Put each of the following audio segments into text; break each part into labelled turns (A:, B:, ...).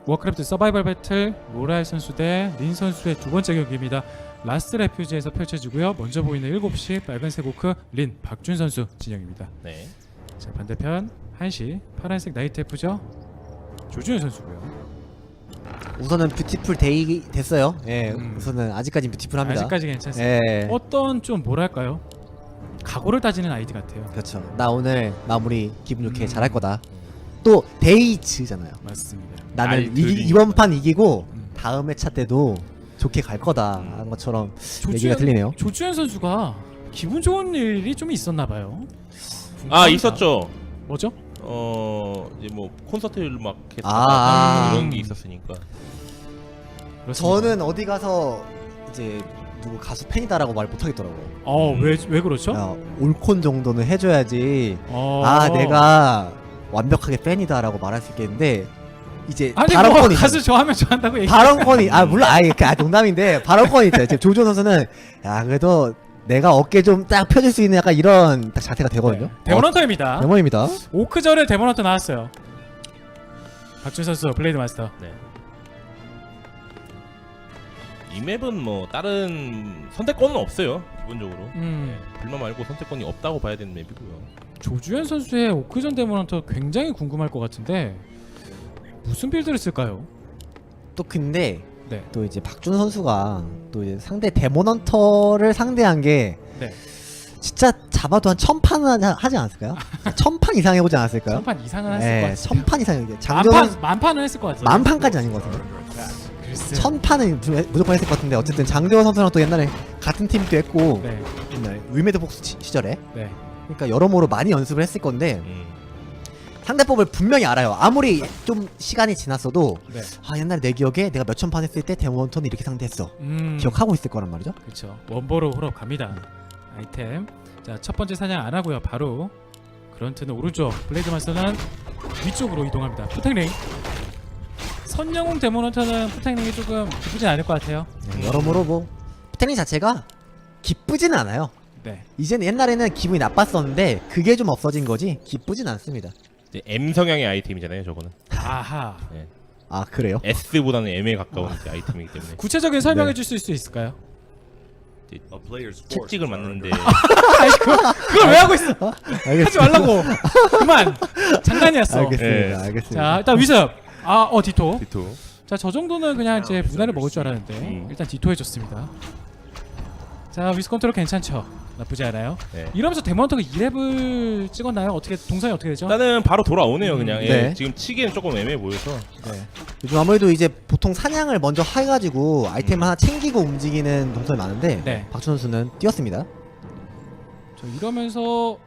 A: 워크래프트 서바이벌 배틀 모라일 선수 대 린 선수의 두 번째 경기입니다. 라스트 레퓨지에서 펼쳐지고요. 먼저 보이는 7시 빨간색 오크 린 박준 선수 진영입니다.
B: 네.
A: 자, 반대편 1시 파란색 나이트 F죠. 조준현 선수고요.
C: 우선은 뷰티풀 데이 됐어요. 예,
A: 음.
C: 우선은 아직까지 뷰티풀합니다.
A: 아직까지 괜찮습니다.
C: 예,
A: 어떤 좀 뭐랄까요? 각오를 따지는 아이디 같아요.
C: 그렇죠. 나 오늘 마무리 기분 좋게 잘할 거다.
B: 음.
C: 또 데이츠잖아요.
A: 맞습니다.
C: 나는
B: 알들이
C: 이번 판 이기고
A: 음.
C: 다음 회차 때도 좋게 갈 거다 하는 것처럼
A: 조주현
C: 얘기가 들리네요.
A: 선수가 기분 좋은 일이 좀 있었나 봐요.
B: 아
A: 궁금합니다.
B: 있었죠.
A: 뭐죠?
B: 이제 뭐 콘서트를 막
C: 아.
B: 이런 게 있었으니까.
A: 그렇습니다.
C: 저는 어디 가서 이제 누구 가수 팬이다라고 말 못하겠더라고요.
A: 왜 그렇죠?
C: 야, 올콘 정도는 해줘야지.
A: 어.
C: 아, 내가 완벽하게 팬이다라고 말할 수 있겠는데 이제
A: 아니 뭐
C: 발언권이
A: 가수 좋아하면 좋아한다고 얘기.
C: 발언권이 물론 농담인데 발언권이 있어요. 지금 조준 선수는 야 그래도 내가 어깨 좀 딱 펴줄 수 있는 약간 이런 딱 자태가 되거든요.
A: 데몬헌터입니다.
C: 데몬입니다.
A: 오크절에 데몬헌터 나왔어요. 박준 선수 블레이드 마스터.
B: 네. 이 맵은 뭐 다른 선택권은 없어요. 기본적으로. 불만 말고 선택권이 없다고 봐야 되는 맵이고요.
A: 조주현 선수의 오크전 데몬헌터 굉장히 궁금할 것 같은데 무슨 빌드를 쓸까요?
C: 또 근데
A: 네.
C: 또 이제 박준 선수가 또 이제 상대 데몬헌터를 상대한 게
A: 네.
C: 진짜 잡아도 한 1000판은 하지 않았을까요? 1000판 이상 해보지 않았을까요?
A: 천판 이상은 했을 것
C: 네,
A: 같아요.
C: 1000판 이상 장전
A: 만판은 했을 것 같아요.
C: 만판까지 아닌 것 같은데
A: 글쎄.
C: 1000판은 무조건 했을 것 같은데 어쨌든 장재원 선수랑 또 옛날에 같은 팀도 했고
A: 네.
C: 옛날 위메드 복스 시절에
A: 네.
C: 그러니까 여러모로 많이 연습을 했을 건데 상대법을 분명히 알아요. 아무리 좀 시간이 지났어도
A: 네.
C: 옛날에 내 기억에 내가 몇천 판 했을 때 데몬턴을 이렇게 상대했어 기억하고 있을 거란 말이죠.
A: 그렇죠. 원보로 홀업 갑니다. 아이템. 자, 첫 번째 사냥 안 하고요. 바로 그런트는 오른쪽, 블레이드 마스터는 위쪽으로 이동합니다. 푸탱링. 선영웅 데몬헌터는 푸탱링이 조금 기쁘진 않을 것 같아요.
C: 여러모로 뭐 테닝 자체가 기쁘지는 않아요.
A: 네.
C: 이제는 옛날에는 기분이 나빴었는데 그게 좀 없어진 거지 기쁘진 않습니다.
B: 이제 M 성향의 아이템이잖아요, 저거는.
A: 아하.
C: 아 그래요?
B: S보다는 M에 가까운 이제 아이템이기 때문에.
A: 구체적인 설명해 줄 수 있을까요?
B: 이제 채찍을 맞는데
A: 아니 그걸 왜 하고 있어? 하지
C: 알겠습니다.
A: 말라고. 그만. 장난이었어.
C: 알겠습니다.
B: 네.
C: 알겠습니다.
A: 자, 일단 위습. 디토.
B: 디토.
A: 자, 저 정도는 그냥 이제 무난을 먹을 줄 알았는데 일단 디토 해줬습니다. 자, 위스 컨트롤 괜찮죠? 나쁘지 않아요.
B: 네.
A: 이러면서 데몬터가 2렙을 찍었나요? 어떻게 동선이 어떻게 되죠?
B: 일단은 바로 돌아오네요, 그냥. 예,
C: 네.
B: 지금 치기엔 조금 애매해 보여서.
A: 네.
C: 요즘 아무래도 이제 보통 사냥을 먼저 해가지고 아이템 하나 챙기고 움직이는 동선이 많은데
A: 네.
C: 박준 선수는 뛰었습니다.
A: 저 이러면서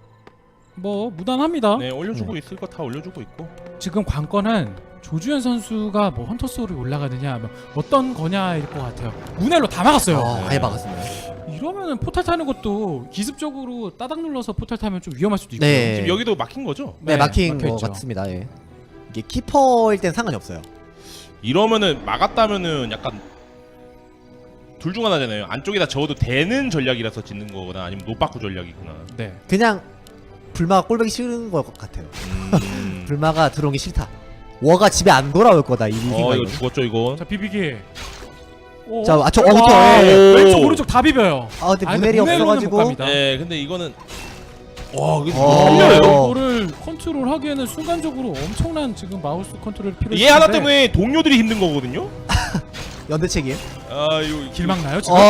A: 뭐 무난합니다.
B: 네, 올려주고 있을 거 다 올려주고 있고.
A: 지금 관건은 조주현 선수가 뭐 헌터 소울이 올라가느냐, 뭐 어떤 거냐일 것 같아요. 문헬로 다 막았어요.
C: 아예 막았습니다.
A: 이러면은 포탈 타는 것도 기습적으로 따닥 눌러서 포탈 타면 좀 위험할 수도 있고요.
C: 네.
B: 지금 여기도 막힌 거죠?
C: 네, 막힌 거
A: 막혀있죠.
C: 같습니다. 예. 이게 키퍼일 땐 상관이 없어요.
B: 이러면은 막았다면은 약간 둘 중 하나잖아요. 안쪽에다 적어도 되는 전략이라서 짓는 거거나 아니면 노빠꾸 전략이구나.
A: 네.
C: 그냥 불마가 꼴보기 싫은 것 같아요.
B: 음.
C: 불마가 들어오기 싫다. 워가 집에 안 돌아올 거다 이 생각이.
B: 이거 죽었죠 이거.
A: 자, 비비기. 오.
C: 자, 그쵸.
A: 와,
C: 예.
A: 왼쪽 오른쪽 다 비벼요.
C: 근데
A: 아니,
C: 문헬이
A: 문헬로는 못
C: 없어가지고
A: 갑니다.
B: 네, 근데 이거는 와, 이거
C: 어.
B: 살려요.
A: 이거를 컨트롤하기에는 순간적으로 엄청난 지금 마우스 컨트롤 필요해.
B: 얘 하나 때문에 동료들이 힘든 거거든요.
C: 연대책임.
B: 이거
A: 길 막나요 지금?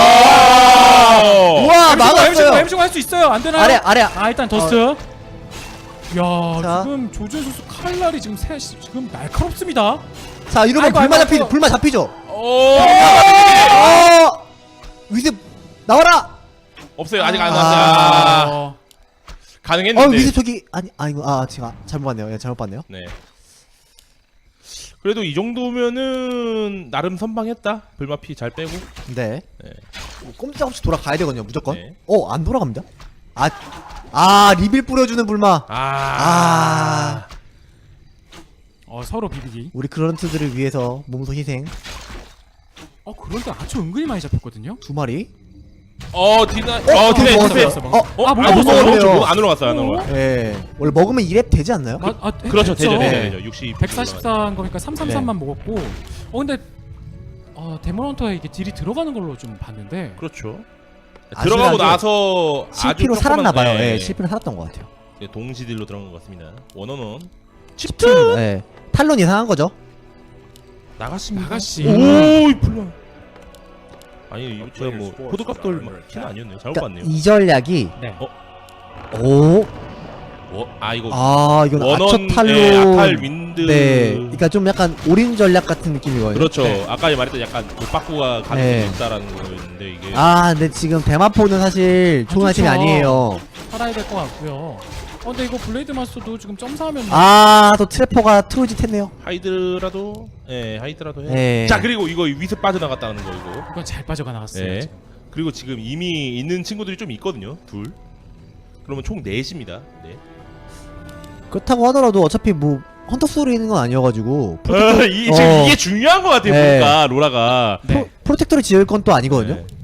C: 우와 막았어요.
A: 엠중 할 수 있어요. 안 되나요?
C: 아래.
A: 일단 더스트. 야,
C: 자.
A: 지금 조준 선수 칼날이 지금 지금 날카롭습니다.
C: 자 이러면
A: 아이고.
C: 불마 잡히죠.
B: 오!
C: 위습 나와라.
B: 없어요. 아직 안 왔어요.
A: 어,
B: 가능했는데.
C: 위습 저기 아니고 제가 잘못 봤네요. 예, 잘못 봤네요.
B: 네. 그래도 이 정도면은 나름 선방했다. 불마피 잘 빼고.
C: 네.
B: 네.
C: 꼼짝없이 돌아가야 되거든요. 무조건.
B: 네.
C: 안 돌아갑니다. 리빌 뿌려주는 불마.
A: 서로 비비기.
C: 우리 그런트들을 위해서 몸소 희생.
A: 그런데 아주 은근히 많이 잡혔거든요.
C: 2마리.
B: 디나
C: 먹었어요.
A: 못
C: 먹었어요.
A: 먹었어요.
B: 안 올라갔어요. 안 올라갔어요.
C: 예. 원래 먹으면 2랩 되지 않나요?
B: 그렇죠. 되죠.
C: 네.
B: 되죠. 60
A: 144인 거니까 333만 먹었고 근데 데몬헌터에 이게 딜이 들어가는 걸로 좀 봤는데
B: 그렇죠.
C: 아슬아슬
B: 들어가고 나서
C: CP로
B: 아주
C: 살았나봐요.
B: 조그만,
C: 예, CP로 살았던 것 같아요.
B: 동시딜로 들어간 것 같습니다. 원어는
C: 칩트. 예. 탈론 이상한 거죠.
B: 나갔습니다.
A: 나가씨.
B: 오이 플라. 아니 이거 제가 뭐 호드값 돌 키는 아니었네요. 잘못
C: 그러니까
B: 봤네요.
C: 이 전략이
A: 네.
C: 오.
B: 이거
C: 이건
B: 원원
C: 아처 탈론.
B: 아탈 윈드.
C: 네. 그러니까 좀 약간 올인 전략 같은 느낌이거든요.
B: 그렇죠.
A: 네.
B: 아까 말했던 약간 독박구가 가능성이 있다라는 거였는데 이게
C: 근데 지금 대마포는 사실 좋은 아이템이
A: 좋죠.
C: 아니에요.
A: 살아야 될 것 같고요. 근데 이거 블레이드 마스터도 지금 점사하면
C: 또 트래퍼가 트로짓 했네요.
B: 하이드라도 하이드라도 해.
C: 예.
B: 자 그리고 이거 위스 빠져나갔다는 거 이거.
A: 이건 잘 빠져가 나갔어요.
B: 네.
A: 지금.
B: 그리고 지금 이미 있는 친구들이 좀 있거든요. 둘. 그러면 총 4입니다. 네.
C: 그렇다고 하더라도 어차피 뭐 헌터 소리 있는 건 아니어가지고
B: 지금 이게 중요한 것 같아요.
C: 네.
B: 보니까 로라가.
A: 네.
C: 프로텍터를 지을 건 또 아니거든요.
B: 네.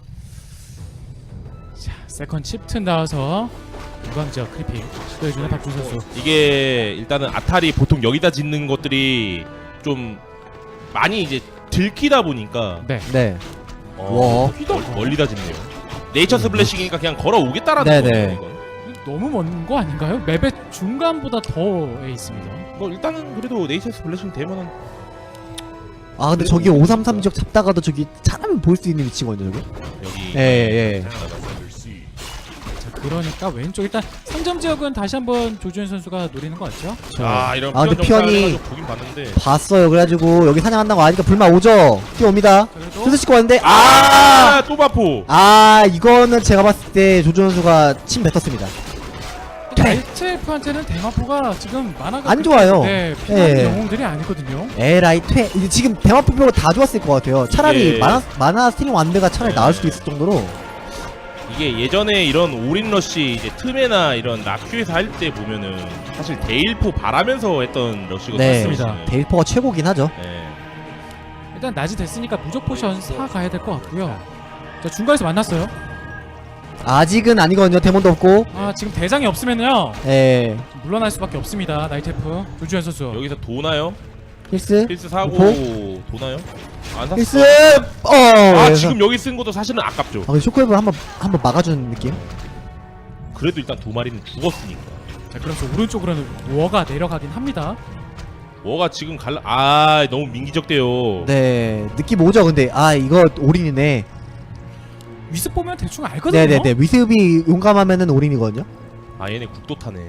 A: 자, 세컨 칩튼 나와서 무광지역 크리핑 시도해주는 박준 선수.
B: 이게 일단은 아탈이 보통 여기다 짓는 것들이 좀 많이 이제 들키다 보니까
A: 네.
C: 네.
B: 와.
A: 휘덕.
B: 멀리다 짓네요. 네이처 스플래시니까 그냥 걸어 오겠다라는
C: 네네.
B: 거예요. 이건.
A: 너무 먼 거 아닌가요? 맵의 중간보다 더에 있습니다.
B: 뭐 일단은 그래도 네이처 스플래시 되면은
C: 근데 저기 533 지역 잡다가도 저기 차라면 볼 수 있는 위치거든요, 저기.
B: 여기
C: 예.
A: 자, 그러니까 왼쪽 일단 3점 지역은 다시 한번 조주현 선수가 노리는 것 같죠?
B: 이런
C: 근데
B: 피언
C: 피언이-
B: 정찰을 보긴 봤는데
C: 봤어요. 그래가지고 여기 사냥한다고 하니까 불만 오죠. 뛰어옵니다.
A: 그래도
C: 슬슬 씻고 왔는데
B: 또 바포.
C: 이거는 제가 봤을 때 조준 선수가 침 뱉었습니다.
A: RTF한테는 대마포가 지금 만화가
C: 안 좋아요.
A: 네, 필요한
C: 예.
A: 영웅들이 아니거든요.
C: 에라이 퇴 이제 지금 대마포 빼고 다 좋았을 것 같아요. 차라리
B: 예.
C: 마나 스틸링 완드가 차라리 나을 수도 있을 정도로.
B: 이게 예전에 이런 올인러시 이제 틈에나 이런 라큐에서 할 때 보면은 사실 데일포 바라면서 했던 러시거든요.
C: 네,
A: 맞습니다.
C: 데일포가 최고긴 하죠.
B: 네.
A: 일단 낮이 됐으니까 무적 포션 사 가야 될 것 같고요. 자, 중간에서 만났어요.
C: 아직은 아니거든요. 데몬도 없고.
A: 지금 대장이 없으면요
C: 예.
A: 물러날 수밖에 없습니다. 나이테프 조주현 선수.
B: 여기서 도나요?
C: 힐스.
B: 필스 사고
C: 오호?
B: 도나요? 안 샀어.
C: 힐스.
B: 아 지금 여기 쓴 것도 사실은 아깝죠.
C: 근데 쇼크웨이브를 한번 막아주는 느낌.
B: 그래도 일단 2마리는 죽었으니까.
A: 자, 그래서 오른쪽으로는 워가 내려가긴 합니다.
B: 뭐가 지금 너무 민기적대요.
C: 네. 느낌 오죠. 근데 이거 올인이네.
A: 위습 보면 대충 알거든요.
C: 네네네. 위습이 용감하면은 올인이거든요.
B: 얘네 국도 타네.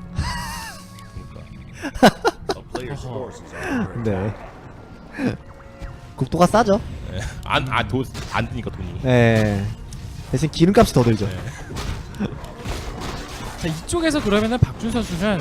B: 그러니까.
C: 네. 국도가 싸죠.
B: 안 드니까 돈이.
C: 네. 대신 기름값이 더 들죠.
B: 네.
A: 자, 이쪽에서 그러면은 박준 선수는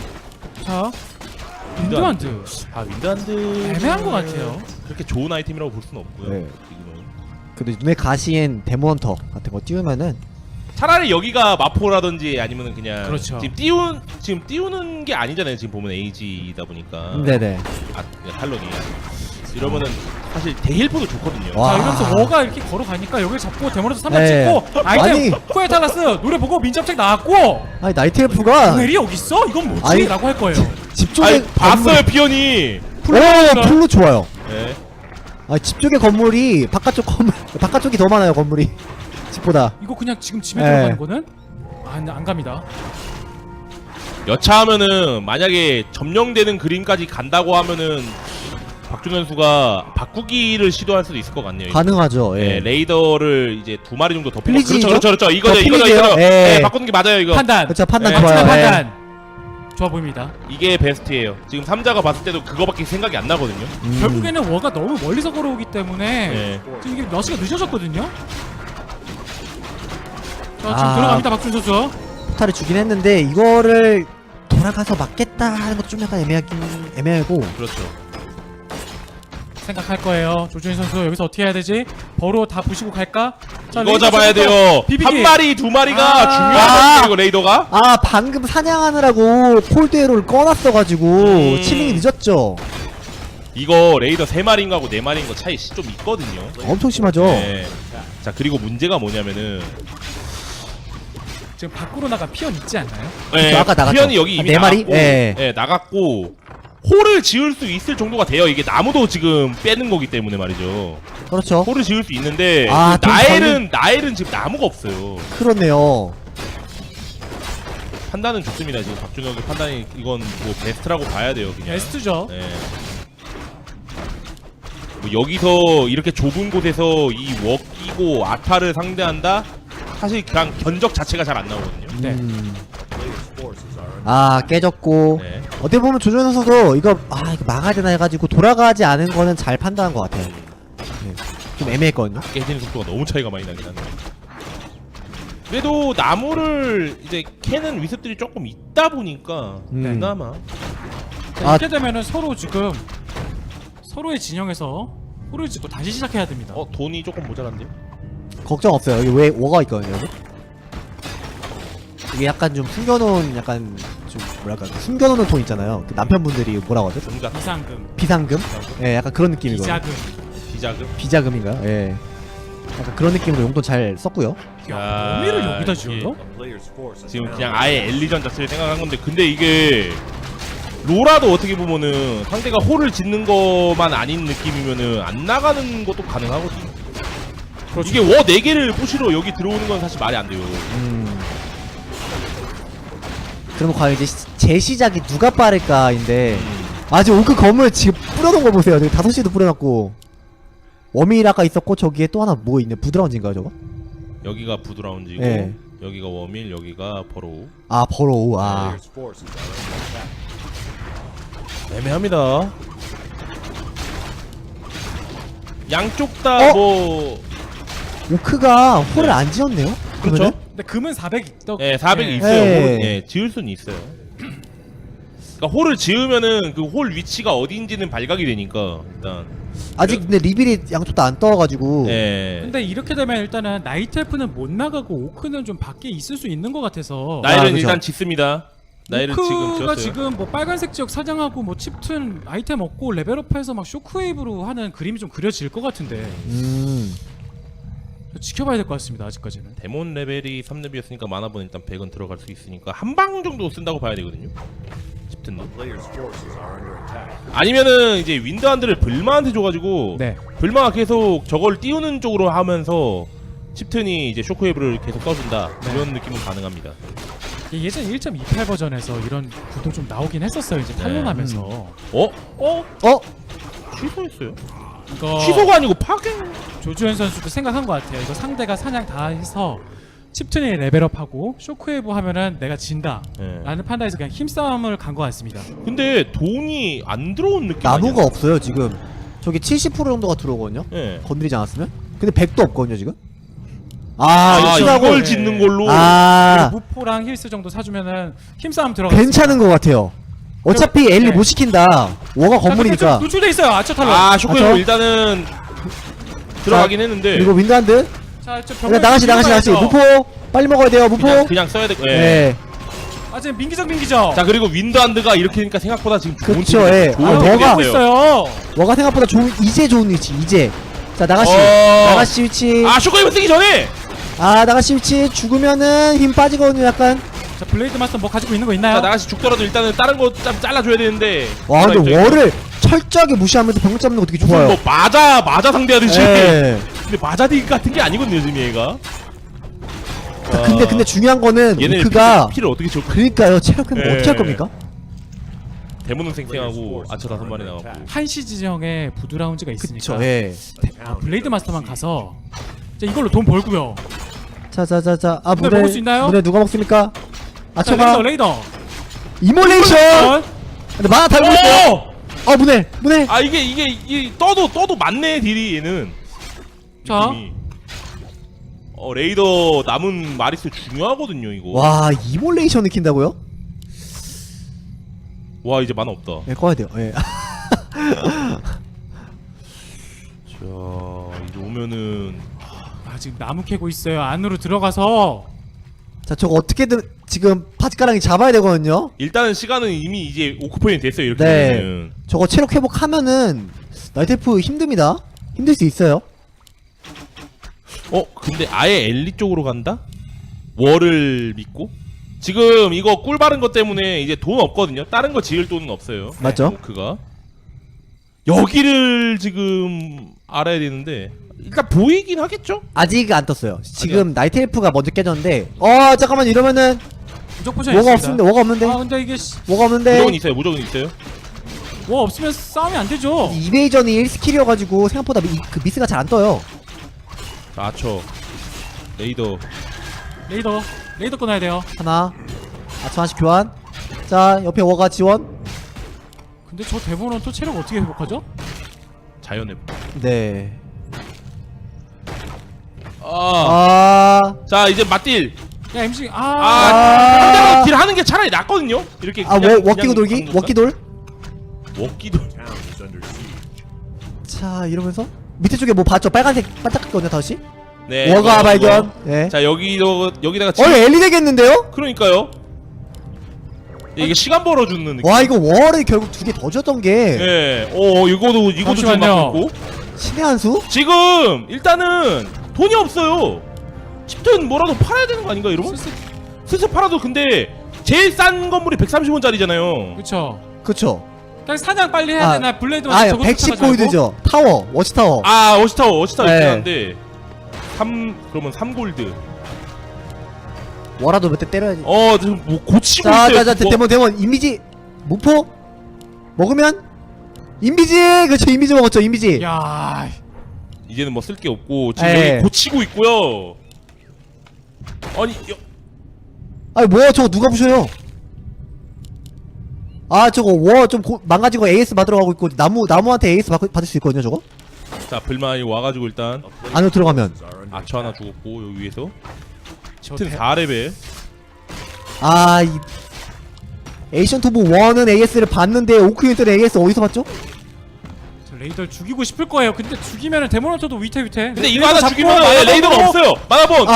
A: 윈드한드
B: 윈드한드
A: 애매한 것 같아요.
B: 그렇게 좋은 아이템이라고 볼 수는 없고요.
C: 네.
B: 지금은.
C: 근데 눈에 가시엔 데몬헌터 같은 거 띄우면은
B: 차라리 여기가 마포라든지 아니면은 그냥
A: 그렇죠.
B: 지금 띄우는 게 아니잖아요. 지금 보면 에이지다 보니까
C: 네네.
B: 그냥 탈론이 이러면은 사실 대힐포도 좋거든요.
C: 와.
A: 자, 이러면서 워가 이렇게 걸어가니까 여기를 잡고 데모에서 3단
C: 네.
A: 찍고 아이템
C: 아니.
A: 코에탈라스 노래 보고 민첩책 나왔고
C: 나이트 엘프가
A: 오늘이 여기 있어? 이건 뭐지?
C: 아니.
A: 라고 할 거예요.
C: 집 쪽에
B: 봤어요 피언이.
C: 풀로 좋아요.
B: 네.
C: 집 쪽에 건물이 바깥쪽이 더 많아요. 건물이 집보다.
A: 이거 그냥 지금 집에
C: 네.
A: 들어가는 거는 안 갑니다.
B: 여차하면은 만약에 점령되는 그림까지 간다고 하면은 박준 선수가 바꾸기를 시도할 수도 있을 것 같네요.
C: 가능하죠.
B: 예,
C: 예.
B: 레이더를 이제 2마리 정도 더
C: 플리지죠?
B: 그렇죠. 이거죠.
C: 플리지예요? 예.
B: 네, 바꾸는 게 맞아요, 이거.
A: 판단.
C: 그렇죠. 판단
B: 네,
C: 좋아요.
A: 박준의
C: 예.
A: 판단. 좋아 보입니다.
B: 이게 베스트예요. 지금 삼자가 봤을 때도 그거밖에 생각이 안 나거든요.
A: 결국에는 워가 너무 멀리서 걸어오기 때문에
B: 네.
A: 지금 이게 러시가 늦어졌거든요. 자, 지금
C: 아.
A: 들어갑니다. 박준 선수.
C: 포탈을 주긴 했는데 이거를 돌아가서 맞겠다 하는 것도 좀 약간 애매하고.
B: 그렇죠.
A: 생각할 거예요. 조준희 선수 여기서 어떻게 해야 되지? 버로 다 부시고 갈까? 자,
B: 이거
A: 레이더
B: 잡아야
A: 쪽부터
B: 돼요.
A: 비비기.
B: 한 마리, 2마리가
A: 아.
B: 중요한 이거 레이더가.
C: 방금 사냥하느라고 콜드에로를 꺼놨어가지고 치밍이 늦었죠.
B: 이거 레이더 3마리인 거하고 4마리인 거 차이 좀 있거든요.
C: 엄청 심하죠.
B: 네. 자 그리고 문제가 뭐냐면은
A: 지금 밖으로 나간 피언 있지 않나요?
B: 네,
C: 아까 나갔죠.
B: 피언이 여기 이미
C: 4마리?
B: 나갔고,
C: 예.
B: 네, 나갔고 홀을 지을 수 있을 정도가 돼요. 이게 나무도 지금 빼는 거기 때문에 말이죠.
C: 그렇죠.
B: 홀을 지을 수 있는데
C: 아,
B: 그
C: 좀
B: 나엘은 지금 나무가 없어요.
C: 그렇네요.
B: 판단은 좋습니다. 지금 박준혁의 판단이 이건 뭐 베스트라고 봐야 돼요. 그냥.
A: 베스트죠.
B: 네. 뭐 여기서 이렇게 좁은 곳에서 이 웍이고 아타를 상대한다? 사실 그냥 견적 자체가 잘 안 나오거든요.
A: 네.
C: 아 깨졌고
B: 네.
C: 어떻게 보면 조준 선수도 이거 이거 막아야 되나 해가지고 돌아가지 않은 거는 잘 판단한 것 같아요. 네. 좀 애매했거든요.
B: 깨지는 속도가 너무 차이가 많이 나긴 하네요. 그래도 나무를 이제 캐는 위습들이 조금 있다 보니까 그나마
A: 자, 이렇게 되면은 서로 지금 서로의 진영에서 홀을 짓고 다시 시작해야 됩니다.
B: 돈이 조금 모자란데요?
C: 걱정 없어요. 여기 왜 워가 있거든요. 여기. 이게 약간 좀 숨겨놓은 약간 좀 뭐랄까 숨겨놓는 돈 있잖아요. 그 남편분들이 뭐라고 하죠?
B: 종가
A: 비상금,
C: 비상금? 예, 약간 그런 느낌이거든요.
A: 비자금.
B: 비자금.
C: 비자금인가요? 예. 약간 그런 느낌으로 용돈 잘 썼고요.
A: 야, 범위를 여기다 지어요?
B: 지금 그냥 아예 엘리전 자체를 생각한 건데 근데 이게 로라도 어떻게 보면은 상대가 홀을 짓는 것만 아닌 느낌이면은 안 나가는 것도 가능하거든요.
A: 그렇죠.
B: 이게 워 4개를 부시러 여기 들어오는 건 사실 말이 안 돼요.
C: 그러면 과연 이제 재시작이 누가 빠를까인데 지금 오크 건물 지금 뿌려놓은 거 보세요. 지금 5시도 뿌려놨고 워밀 아까 있었고 저기에 또 하나 뭐 있네. 부드라운지인가요 저거?
B: 여기가 부드라운지고
C: 네.
B: 여기가 워밀 여기가 버로우.
C: 버로우
B: 애매합니다. 양쪽 다 뭐
C: 오크가 홀을 안 지었네요?
B: 그렇죠.
C: 그러면은?
A: 근데 금은 400 더.
B: 예, 400이
A: 네.
B: 있어요.
C: 네.
B: 홀, 예, 지을 수는 있어요. 그러니까 홀을 지으면은 그 홀 위치가 어디인지는 발각이 되니까 일단.
C: 아직 근데 리빌이 양쪽 다 안 떠가지고
B: 예.
A: 근데 이렇게 되면 일단은 나이트 엘프는 못 나가고 오크는 좀 밖에 있을 수 있는 것 같아서.
B: 나일은
C: 그죠.
B: 일단 짓습니다. 나일은 지금
A: 오크가
B: 지었어요.
A: 지금 뭐 빨간색 지역 사냥하고 뭐 칩튼 아이템 얻고 레벨업해서 막 쇼크웨이브로 하는 그림이 좀 그려질 것 같은데 지켜봐야 될 것 같습니다. 아직까지는.
B: 데몬 레벨이 3렙이었으니까 마나본 일단 100은 들어갈 수 있으니까 한 방 정도 쓴다고 봐야 되거든요. 칩튼 아니면은 이제 윈드한드를 불마한테 줘가지고
A: 네.
B: 불마가 계속 저걸 띄우는 쪽으로 하면서 칩튼이 이제 쇼크웨이브를 계속 써준다 이런 느낌은 가능합니다.
A: 예전 1.28 버전에서 이런 구도 좀 나오긴 했었어요. 이제 탄론하면서.
B: 취소했어요?
A: 이거
B: 취소가 아니고 파괴.
A: 조주현 선수도 생각한 것 같아요. 이거 상대가 사냥 다 해서 칩튼이 레벨업하고 쇼크웨이브 하면은 내가 진다
B: 예.
A: 라는 판단에서 그냥 힘싸움을 간 것 같습니다.
B: 근데 돈이 안 들어온 느낌
C: 나무가
B: 아니야?
C: 없어요 지금. 저기 70% 정도가 들어오거든요.
B: 예.
C: 건드리지 않았으면. 근데 100도 없거든요 지금.
B: 이걸
A: 네.
B: 짓는 걸로.
A: 그리고 무포랑 힐스 정도 사주면은 힘싸움 들어가.
C: 괜찮은 것 같아요. 어차피 엘리
A: 네.
C: 못 시킨다. 워가 건물이니까.
A: 노출돼 있어요. 아처 탈론.
B: 쇼크웨이브
C: 맞죠?
B: 일단은 들어가긴 했는데
C: 그리고 윈드한드.
A: 자, 저
C: 그러니까 나가시. 무포 빨리 먹어야 돼요. 무포.
B: 그냥 써야 돼. 예.
C: 네.
A: 아 지금 민기적.
B: 자 그리고 윈드한드가 이렇게 되니까 생각보다 지금 좋은
C: 그쵸,
B: 팀이
C: 예.
B: 좋은
C: 아,
B: 팀이
C: 뭐가-
A: 하고
B: 됐어요.
A: 있어요.
C: 워가 생각보다 이제 좋은 위치. 이제. 자 나가시.
B: 어.
C: 나가시 위치.
B: 아 쇼크웨이브 쓰기 전에
C: 나가시 위치 죽으면은 힘 빠지거든요 약간.
A: 자 블레이드 마스터 뭐 가지고 있는 거 있나요?
B: 자 나가시 죽더라도 일단은 다른 거 좀 잘라줘야 되는데.
C: 와 근데 워를 철저하게 무시하면서 병력 잡는 거 되게
B: 무슨
C: 좋아요.
B: 뭐 맞아 상대하듯이.
C: 예.
B: 근데 맞아디 같은 게 아니거든요 지금 얘가.
C: 자, 근데 중요한 거는
B: 얘네
C: 오크가
B: 피를 어떻게 줘?
C: 그러니까요. 체력 뭐
B: 예.
C: 어떻게 할 겁니까?
B: 대문은 생생하고 아처 5마리 나왔고.
A: 한시 지정에 부드라운지가 있으니까
C: 그쵸. 예.
A: 블레이드 마스터만 가서 자 이걸로 돈 벌고요.
C: 자자자자.
A: 문에 먹을 수 있나요?
C: 문에 누가 먹습니까?
A: 자
C: 아처가
A: 레이더.
C: 이몰레이션. 근데 만화 달고 있어요. 문에.
B: 아 이게 떠도 맞네 딜이 얘는.
A: 자.
B: 느낌이. 레이더 남은 마리스 중요하거든요 이거.
C: 와 이몰레이션 느낀다고요?
B: 와 이제 만화 없다.
C: 예, 꺼야 돼요. 예.
B: 자 이제 오면은
A: 아 지금 나무 캐고 있어요. 안으로 들어가서
C: 자 저거 어떻게든 지금 바지가랑이 잡아야 되거든요.
B: 일단은 시간은 이미 이제 오크포인트 됐어요. 이렇게
C: 네.
B: 되면은.
C: 저거 체력 회복하면은 나이테프 힘듭니다. 힘들 수 있어요.
B: 근데 아예 엘리 쪽으로 간다? 월을 믿고? 지금 이거 꿀 바른 것 때문에 이제 돈 없거든요. 다른 거 지을 돈은 없어요.
C: 맞죠?
B: 오크가. 여기를 지금 알아야 되는데 일단 보이긴 하겠죠?
C: 아직 안 떴어요. 지금 나이트 엘프가 먼저 깨졌는데 잠깐만 이러면은
A: 무적 포션
C: 뭐가
A: 있습니다.
C: 없는데 뭐가 없는데
A: 아 근데 이게
C: 뭐가 없는데
B: 무조건 있어요. 무조건 있어요.
A: 뭐 없으면 싸움이 안 되죠.
C: 이베이전이 1스킬이어가지고 생각보다 그 미스가 잘 안 떠요.
B: 자, 아처. 레이더.
A: 레이더 끊어야 돼요.
C: 하나 아초 하나씩 교환. 자 옆에 워가 지원.
A: 근데 저 대본은 또 체력 어떻게 회복하죠?
B: 자연의.
C: 네.
B: 자, 이제 맞딜.
A: 야 MC
B: 상대방 딜 하는 게 차라리 낫거든요. 이렇게
C: 워끼고 돌기? 워끼돌?
B: 워끼돌.
C: 자 이러면서 밑에 쪽에 뭐 봤죠? 빨간색 반짝거든요 다시?
B: 네.
C: 워가
B: 이거.
C: 발견. 네.
B: 자, 여기다가
C: 엘리 되겠는데요?
B: 그러니까요. 이게 시간 벌어주는 느낌.
C: 와 이거 월을 결국 두 개 더 줬던 게
B: 예. 이것도 지금
A: 잠시만요.
B: 막고 있고.
C: 신의 한 수?
B: 지금 일단은 돈이 없어요. 칩튼 뭐라도 팔아야 되는 거 아닌가 이러면? 슬슬 팔아도 근데 제일 싼 건물이 130원짜리잖아요.
A: 그쵸.
C: 그쵸.
A: 그냥 사냥 빨리 해야 되나 블레이드만
C: 110 골드죠. 타워, 워치타워.
B: 워치타워
C: 네.
B: 있긴 한데 그러면 3골드.
C: 워라도 몇 대 때려야지.
B: 지금 뭐 고치고 있어요.
C: 자, 데몬 이미지 무포 먹으면 인비지. 그렇죠, 인비지 먹었죠, 인비지.
A: 야
B: 이제는 뭐 쓸 게 없고 지금
C: 네.
B: 여기 고치고 있고요.
C: 아니 뭐야 저거 누가 부셔요? 저거 워 좀 망가지고 AS 받으러 가고 있고 나무한테 AS 받을 수 있거든요 저거?
B: 자, 불만이 와가지고 일단
C: 안으로 들어가면
B: 아처 하나 죽었고 여기 위에서
A: 저
B: 칩튼 4레벨.
C: 이 에이션 토브 1은 AS를 받는데 오크 유닛은 AS 어디서 받죠?
A: 저 레이더를 죽이고 싶을 거예요. 근데 죽이면은 데모노터도 위태위태.
B: 근데 이거 하나 죽이면 레이더가 없어요. 마나본.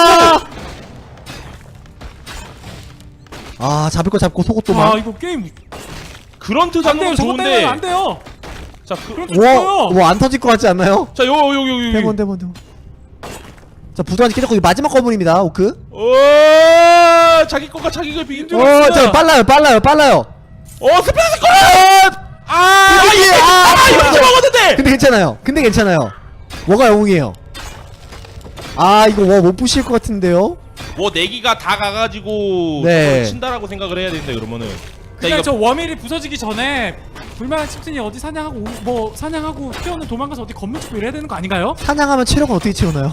C: 잡을 거 잡고 속옷도 막.
A: 이거 게임
B: 그런트
A: 안 돼요.
B: 잡는 건
A: 저거
B: 좋은데.
A: 때문에 안 돼요.
B: 자,
A: 그럼 죽어요.
C: 안 터질 것 같지 않나요?
B: 자, 여기.
C: 데몬. 자, 부도한지 깨졌고, 이 마지막 건물입니다, 오크.
B: 자기 거가 자기가 비긴 줄
C: 자, 빨라요.
B: 스페이스 컷! 이거 이제 먹었는데!
C: 근데 괜찮아요. 뭐가 영웅이에요? 이거 못 부실 것 같은데요?
B: 뭐 내기가 다 가가지고
C: 네.
B: 저걸 친다라고 생각을 해야 된다 그러면은.
A: 그냥 저 워밀이 부서지기 전에 불만한 칩튼이 어디 사냥하고 피어는 도망가서 어디 건물 짓고 이래야 되는 거 아닌가요?
C: 사냥하면 체력은 어떻게 채우나요?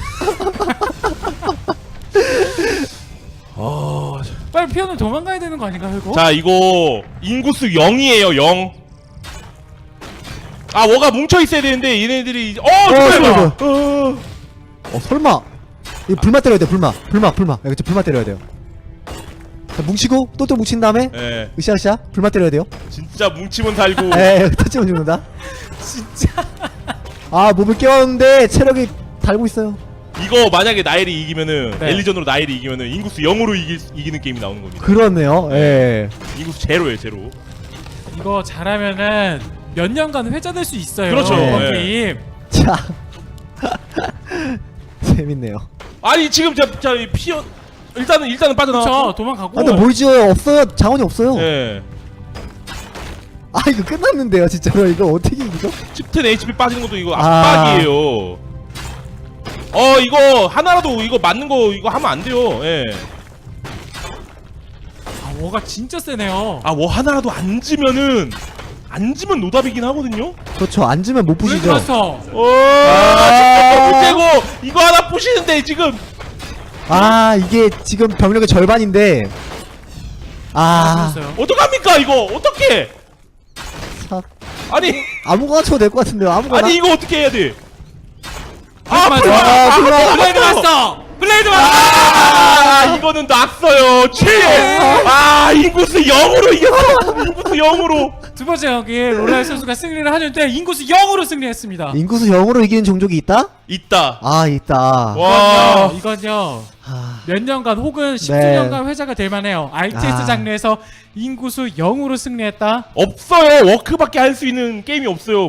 A: 빨리 피어는 도망가야 되는 거 아닌가요 이거?
B: 자, 이거 인구수 0이에요 0. 뭐가 뭉쳐 있어야 되는데 얘네들이
C: 설마. 이거 불마 때려야 돼, 불마. 그쵸, 불마 때려야 돼요. 자, 뭉치고, 또 뭉친 다음에,
B: 예.
C: 으쌰으쌰, 불마 때려야 돼요.
B: 진짜 뭉치면 달고.
C: 터치면 죽는다. 진짜. 몸을 깨웠는데, 체력이 달고 있어요.
B: 이거 만약에 나일이 이기면은
A: 네.
B: 엘리전으로 나일이 이기면은 인구수 0으로 이기는 게임이 나오는 겁니다.
C: 그렇네요, 예.
B: 인구수 제로예요 제로.
A: 이거 잘하면은 몇 년간 회자될 수 있어요.
B: 그렇죠.
A: 이번
B: 네.
A: 게임.
C: 자. 재밌네요.
B: 아니 지금 자 피어 일단은 빠져나왔고.
A: 그렇죠. 도망가고.
C: 근데 뭘 지어요? 없어요. 자원이 없어요.
B: 예.
C: 이거 끝났는데요, 진짜로. 이거 어떻게 이기죠?
B: 칩튼 HP 빠지는 것도 이거 압박이에요. 이거 하나라도 이거 맞는 거 이거 하면 안 돼요. 예.
A: 워가 진짜 세네요.
B: 뭐 하나라도 안 지면 노답이긴 하거든요.
C: 그렇죠. 앉으면 못 부시죠.
A: 블레이드마스터.
B: 진짜 문제고 이거 하나 부시는데 지금.
C: 이게 지금 병력의 절반인데.
A: 죽었어요.
B: 어떡합니까 이거 어떻게?
C: 참.
B: 아니
C: 아무거나 쳐도 될 것 같은데요. 아무거나.
B: 아니 이거 어떻게 해야 돼?
A: 블레이드마스터.
B: 이거는 났어요. 인구수 0으로 이겼어. 인구수 0으로.
A: 두 번째 경기 롤라이 선수가 승리를 하는데 인구수 0으로 승리했습니다.
C: 인구수 0으로 이기는 종족이 있다?
B: 있다.
C: 아 있다.
B: 와.
A: 이건요.
C: 아,
A: 몇 년간 혹은 10주년간 회자가 될 만해요. RTS
C: 아.
A: 장르에서 인구수 0으로 승리했다.
B: 없어요. 워크밖에 할 수 있는 게임이 없어요.